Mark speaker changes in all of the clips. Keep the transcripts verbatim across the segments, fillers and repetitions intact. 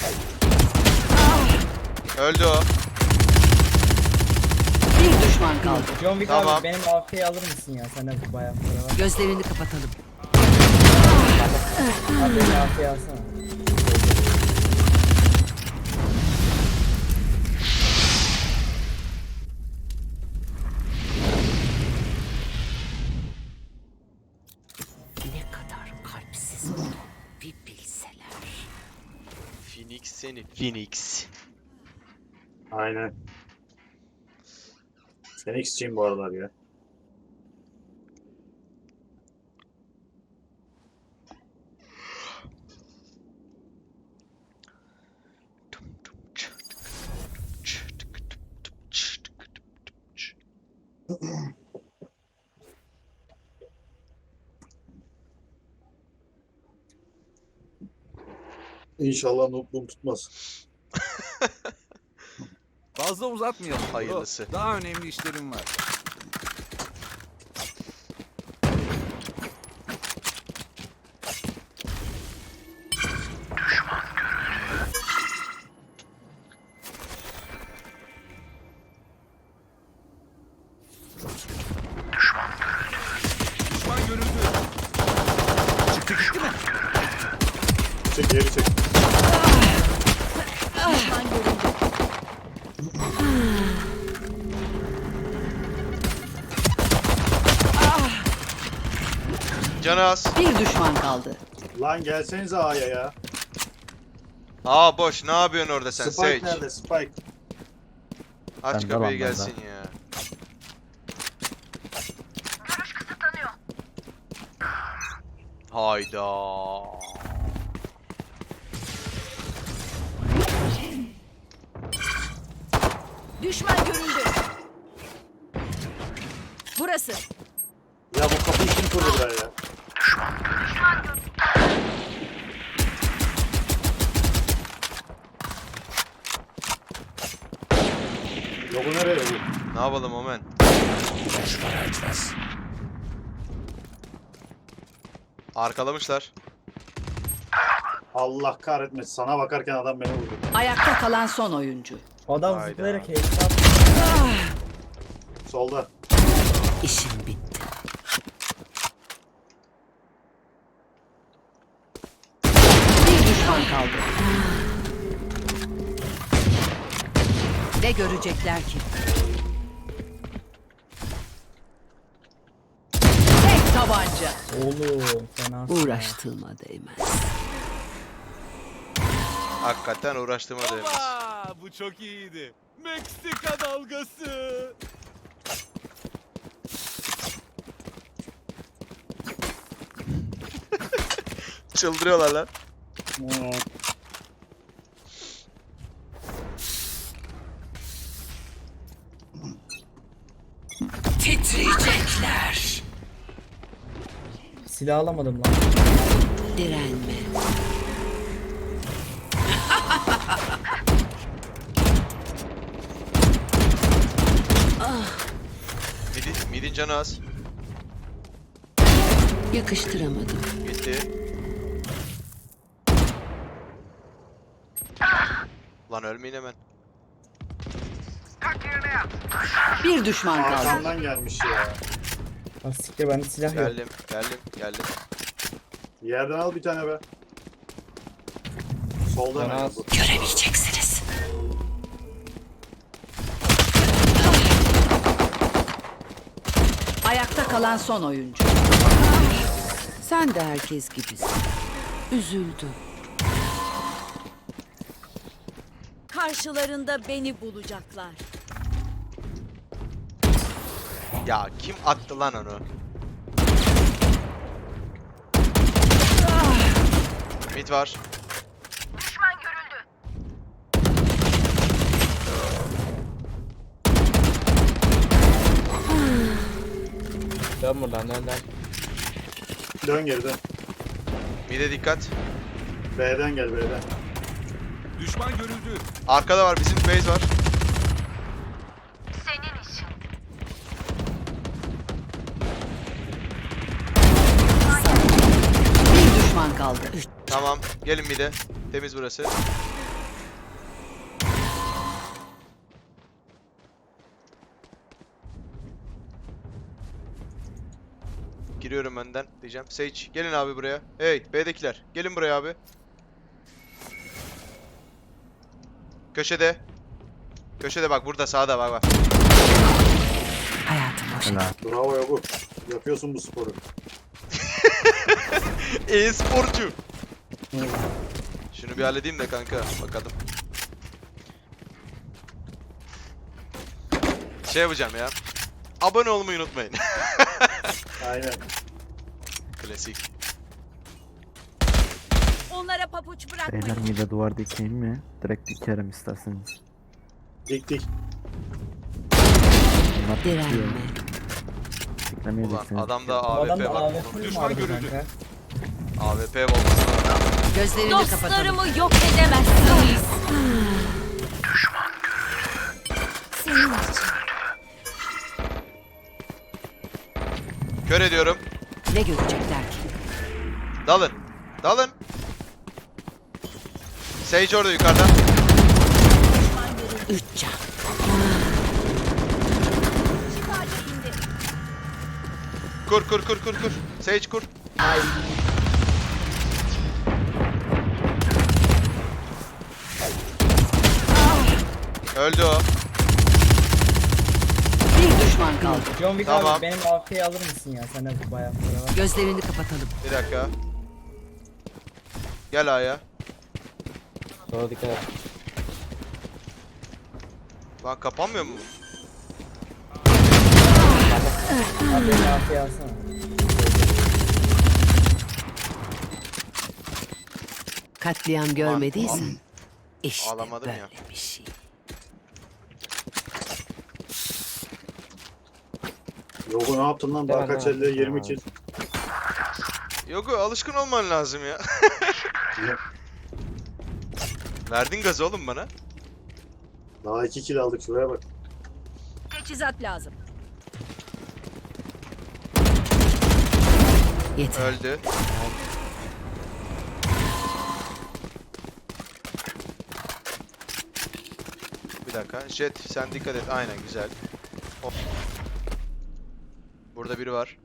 Speaker 1: Öldü o.
Speaker 2: Bir düşman kaldı.
Speaker 3: John Wick
Speaker 1: Tamam.
Speaker 3: abi benim A F'yi alır mısın ya? Sende bu bayağı para var.
Speaker 2: Gözlerini kapatalım.
Speaker 3: Abi benim A F'yi alsana.
Speaker 2: Ne kadar kalpsiz olduğunu bir bilseler.
Speaker 1: Phoenix seni. Phoenix.
Speaker 4: Aynen. Phoenix'ciyim bu aralar ya. İnşallah notluğum tutmaz.
Speaker 5: Fazla uzatmayalım.
Speaker 1: Hayırlısı.
Speaker 5: Daha önemli işlerim var. Düşman görüldü. Çıktı gitti mi?
Speaker 4: Çek geri çek.
Speaker 2: Düşman görüldü.
Speaker 1: Canı az.
Speaker 2: Bir düşman kaldı.
Speaker 4: Lan gelsenize A'ya ya.
Speaker 1: Aa boş. Ne yapıyorsun orada sen
Speaker 4: Spike
Speaker 1: Sage?
Speaker 4: nerede? Spike.
Speaker 1: Aç
Speaker 6: Ben de
Speaker 1: kapıyı
Speaker 6: lan,
Speaker 1: gelsin
Speaker 6: ben de.
Speaker 1: ya. Hayda.
Speaker 2: Düşman görüldü. Burası.
Speaker 4: Ya bu kapıyı kim kurdu buraya ya? Yok bu nereye yok?
Speaker 1: Ne yapalım Omen? Arkalamışlar.
Speaker 4: Allah kahretmesin. Sana bakarken adam beni vurdu.
Speaker 2: Ayakta kalan son oyuncu.
Speaker 3: Adam
Speaker 1: Hayda.
Speaker 3: zıplayarak headshot.
Speaker 4: Solda.
Speaker 2: İşim bitti. Bir düşman kaldı. Ne görecekler ki? Tek tabanca.
Speaker 3: Oğlum fena.
Speaker 2: Uğraştığıma değmez.
Speaker 1: Hakikaten uğraştığıma değmez.
Speaker 5: Aa, bu çok iyiydi. Meksika dalgası.
Speaker 1: Çıldırıyorlar lan.
Speaker 4: Hmm.
Speaker 2: Titriyecekler.
Speaker 3: Silah alamadım lan.
Speaker 2: Direnme.
Speaker 1: Midin, midin canı az.
Speaker 2: Yakıştıramadım.
Speaker 1: Gitti. Lan ölmeyin hemen.
Speaker 2: Bir düşman kaldı.
Speaker 4: Arkamdan gelmiş ya.
Speaker 3: Ah siktir bende silah yok.
Speaker 1: Geldim, geldim, geldim.
Speaker 4: Yerden al bir tane be. Solda
Speaker 3: Bana
Speaker 4: ne
Speaker 3: az.
Speaker 4: bu?
Speaker 2: Göremeyeceksiniz. Ayakta kalan son oyuncu. Sen de herkes gibisin. Üzüldüm.
Speaker 7: Karşılarında beni bulacaklar.
Speaker 1: Ya kim attı lan onu? Mid var.
Speaker 6: Dön buradan dön dön.
Speaker 4: Dön geri dön.
Speaker 1: Mid'e dikkat.
Speaker 4: B'den gel B'den.
Speaker 5: Düşman görüldü.
Speaker 1: Arkada var, bizim base var.
Speaker 2: Bir düşman kaldı.
Speaker 1: Tamam, gelin mid'e. Temiz burası. Giriyorum önden diyeceğim. Sage gelin abi buraya. Hey B'dekiler gelin buraya abi. Köşede. Köşede bak burada sağda bak bak.
Speaker 2: Hayatım boşa.
Speaker 4: Bravo Yogu. Yapıyorsun bu sporu.
Speaker 1: E-sporcu. Şunu bir halledeyim de kanka bakalım. Şey yapacağım ya. Abone olmayı unutmayın.
Speaker 4: Aynen.
Speaker 1: Klasik.
Speaker 2: Onlara papuç bırakmayın.
Speaker 7: Beyler mide duvar dikeyim mi? Direkt dikerim isterseniz.
Speaker 4: Dik dik.
Speaker 7: Bunlar dikiyor.
Speaker 2: Direnme.
Speaker 1: Ulan
Speaker 7: Diklemeyeceksiniz.
Speaker 1: adamda
Speaker 3: Bu adam
Speaker 1: A W P
Speaker 3: da
Speaker 1: var.
Speaker 3: A W P mi
Speaker 5: Düşman
Speaker 3: vardı
Speaker 5: görüldü.
Speaker 3: kanka?
Speaker 1: A W P olması lazım.
Speaker 2: Gözlerini kapatalım.
Speaker 8: Dostlarımı yok edemezsiniz. Senin için.
Speaker 1: Kör ediyorum.
Speaker 2: Ne görecekler ki?
Speaker 1: Dalın. Dalın. Sage orada yukarıda.
Speaker 2: Üç can.
Speaker 8: Şifacı indi.
Speaker 1: Kur kur kur kur kur. Sage kur.
Speaker 3: Ay.
Speaker 1: Öldü o.
Speaker 2: Bir düşman kaldı.
Speaker 3: John Wick
Speaker 1: Tamam.
Speaker 3: abi benim A F'yi alır mısın ya? Sende bu bayağı para var.
Speaker 2: Gözlerini kapatalım.
Speaker 1: Bir dakika. Gel A'ya.
Speaker 6: Sola dikkat et.
Speaker 1: Lan kapanmıyor mu?
Speaker 3: Abi benim A F'yi alsana.
Speaker 2: Katliam görmediysen işte
Speaker 1: Ağlamadım
Speaker 2: böyle
Speaker 1: ya.
Speaker 2: bir şey.
Speaker 4: Yogu ne yaptın lan? Daha
Speaker 6: Devam,
Speaker 4: kaç
Speaker 6: devam.
Speaker 4: elde yirmi kill.
Speaker 1: Yok alışkın olman lazım ya. Verdin gazı oğlum bana.
Speaker 4: Daha iki kill aldık şuraya bak.
Speaker 8: Teçhizat lazım.
Speaker 2: Yeter.
Speaker 1: Öldü. Bir dakika. Jet sen dikkat et. Aynen güzel. Hop. Burada biri var.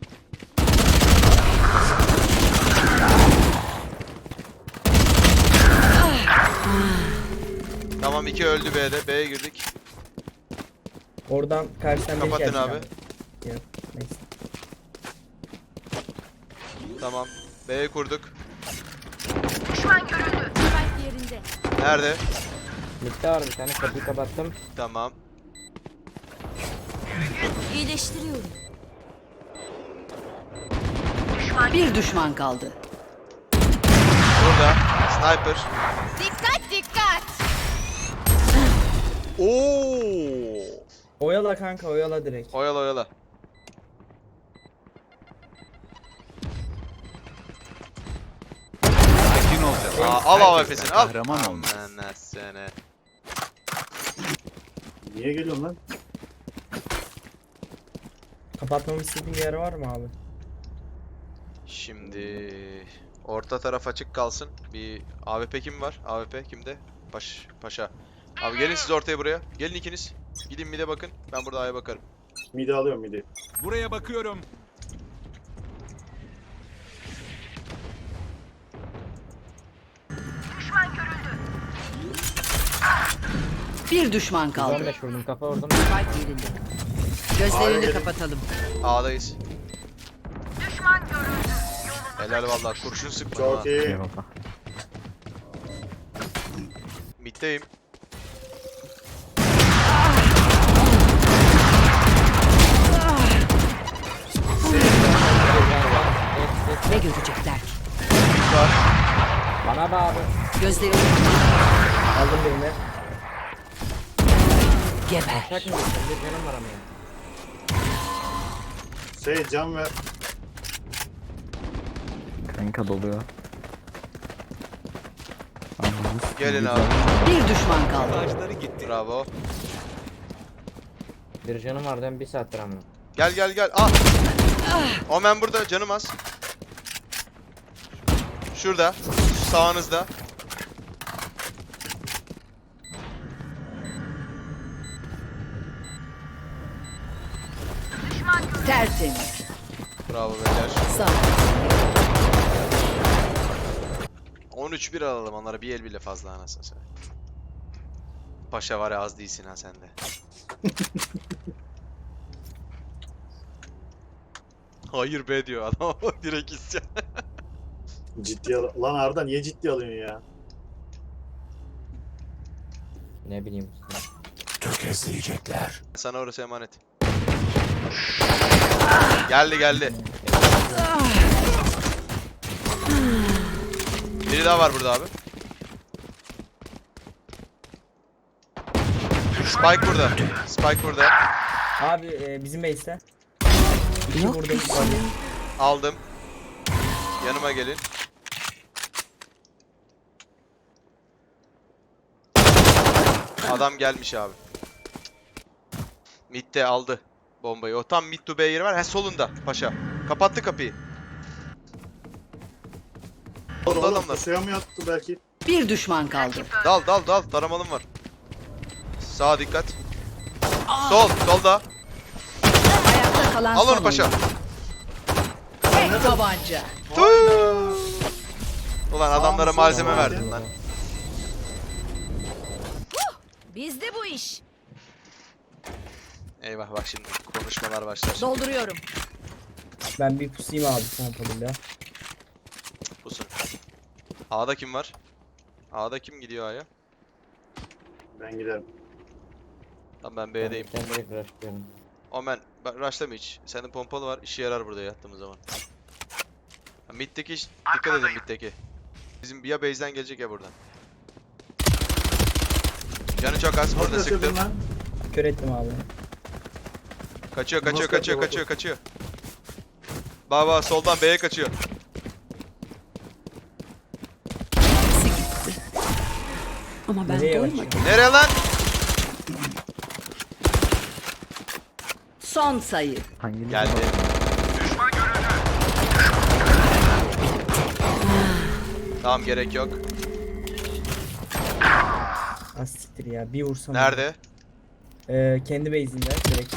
Speaker 1: Tamam iki öldü B'de. B'ye girdik.
Speaker 3: Oradan karşıdan bir
Speaker 1: Kapatın
Speaker 3: gelecek
Speaker 1: abi.
Speaker 3: Yok neyse.
Speaker 1: Tamam. B'ye kurduk.
Speaker 8: Spike yerinde.
Speaker 1: Nerede?
Speaker 6: Midde var bir tane, kapıyı kapattım.
Speaker 1: Tamam.
Speaker 8: İyileştiriyorum.
Speaker 2: Bir düşman kaldı.
Speaker 1: Burada. Sniper.
Speaker 8: Dikkat dikkat.
Speaker 1: Oo!
Speaker 3: Oyala kanka oyala direkt.
Speaker 1: Oyala oyala.
Speaker 5: Sakin olacağız.
Speaker 1: Aa, al A W
Speaker 5: Herkesten
Speaker 1: P'sini al.
Speaker 5: Kahraman olmaz.
Speaker 1: Aman sene.
Speaker 4: Niye geliyorsun lan?
Speaker 3: Kapatmamı istediğin bir yer var mı abi?
Speaker 1: Şimdi orta taraf açık kalsın. Bir A W P kim var? A W P kimde? Paş, paşa. Abi gelin siz ortaya buraya. Gelin ikiniz. Gidin mid'e bakın. Ben burada A'ya bakarım.
Speaker 4: Midi alıyorum midi.
Speaker 5: Buraya bakıyorum.
Speaker 2: Bir düşman kaldı.
Speaker 6: on beş vurdum, kafa vurdum.
Speaker 2: Spike yerinde. Gözlerini
Speaker 1: Abi.
Speaker 2: kapatalım.
Speaker 1: A'dayız. Helal vallahi kurşun sıkma.
Speaker 4: Çok iyi.
Speaker 7: Eyvallah.
Speaker 1: Mid'deyim.
Speaker 2: Ne görecekler ki?
Speaker 1: Var.
Speaker 6: Bana bak abi.
Speaker 2: Gözlerini
Speaker 3: Aldım birini.
Speaker 2: geber.
Speaker 6: Şak mı geçtim? Bir canım var ama ya.
Speaker 4: Şey can ver.
Speaker 7: Kanka doluyor. Anladınız.
Speaker 1: Gelin abi.
Speaker 2: Bir düşman kaldı.
Speaker 5: Ağaçları gitti.
Speaker 1: Bravo.
Speaker 6: Bir canım var, ben bir saattir ama.
Speaker 1: Gel gel gel. Ah. Omen burada canım az. Şurada. Sağınızda.
Speaker 2: Tertemiz.
Speaker 1: Bravo beyler.
Speaker 2: Sağ.
Speaker 1: on üç bir alalım onlara, bir el bile fazla anasını satayım. Paşa var ya, az değilsin ha sen de. Hayır be diyor adam direkt isyan.
Speaker 4: Ciddi al. Lan Arda niye ciddi alıyorsun ya?
Speaker 6: Ne bileyim.
Speaker 1: Sana orası emanet. Geldi geldi. Biri daha var burada abi. Spike burada. Spike burada.
Speaker 3: Abi e, bizim base'te. İki
Speaker 2: Yok
Speaker 3: vurdum.
Speaker 2: bir şey.
Speaker 1: Aldım. Yanıma gelin. Adam gelmiş abi. Mid'de aldı bombayı. O tam mid to B yeri var. He solunda paşa. Kapattı kapıyı.
Speaker 4: Oğlum,
Speaker 1: Solda
Speaker 4: oğlum
Speaker 1: adamlar.
Speaker 4: suya mı yattı belki?
Speaker 2: Bir düşman kaldı.
Speaker 1: Dal dal dal. Taramalım var. Sağa dikkat. Sol. Solda.
Speaker 2: Ayakta kalan
Speaker 1: Al
Speaker 2: son
Speaker 1: onu paşa.
Speaker 2: oyuncu. Tek tabanca.
Speaker 1: Tüh. Ulan adamlara
Speaker 4: Sağ
Speaker 1: malzeme
Speaker 4: mı, sol mu?
Speaker 1: verdin lan.
Speaker 8: Bizde bu iş.
Speaker 1: Eyvah bak şimdi konuşmalar başlar.
Speaker 8: Dolduruyorum.
Speaker 3: Ben bir pusayım abi pompalıyla.
Speaker 1: Pusun. A'da kim var? A'da kim gidiyor A'ya?
Speaker 4: Ben giderim.
Speaker 1: Tamam ben B'deyim.
Speaker 6: Ben direkt rushlıyorum.
Speaker 1: Omen, bak rushlama hiç. Senin pompalı var, işe yarar burada yattığımız zaman. Ha, mid'deki iş, dikkat edin mid'deki. Bizim ya base'den gelecek ya buradan. Canı çok az, burada
Speaker 4: Nasıl
Speaker 1: sıktım.
Speaker 4: yapıyorsun lan?
Speaker 3: Kör ettim abi.
Speaker 1: Kaçıyor, kaçıyor,
Speaker 4: Nasıl
Speaker 1: kaçıyor,
Speaker 4: yapıyor
Speaker 1: kaçıyor, kaçıyor. Baba soldan B'ye kaçıyor.
Speaker 2: İkisi gitti. Ama ben
Speaker 3: Nereye
Speaker 2: doymadım.
Speaker 3: kaçıyor?
Speaker 1: Nereye lan?
Speaker 2: Son sayı.
Speaker 7: Hanginiz
Speaker 1: Geldi. Tamam gerek yok.
Speaker 3: Az siktir ya bir vursam.
Speaker 1: Nerede?
Speaker 3: Ee, kendi base'inde direkt.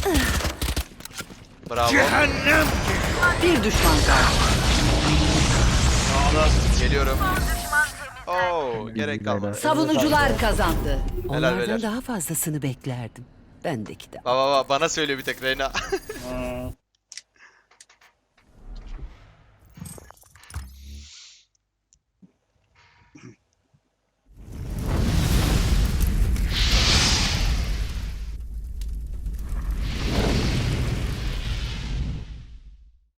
Speaker 1: Bravo.
Speaker 2: Bir düşman kaldı.
Speaker 1: Geliyorum. Oo, gerek kalmadı.
Speaker 2: Savunucular kazandı.
Speaker 1: Helal
Speaker 2: Onlardan
Speaker 1: beyler.
Speaker 2: daha fazlasını beklerdim. Bendeki de.
Speaker 1: Baba baba bana söylüyor bir tek Reyna.
Speaker 4: Aa,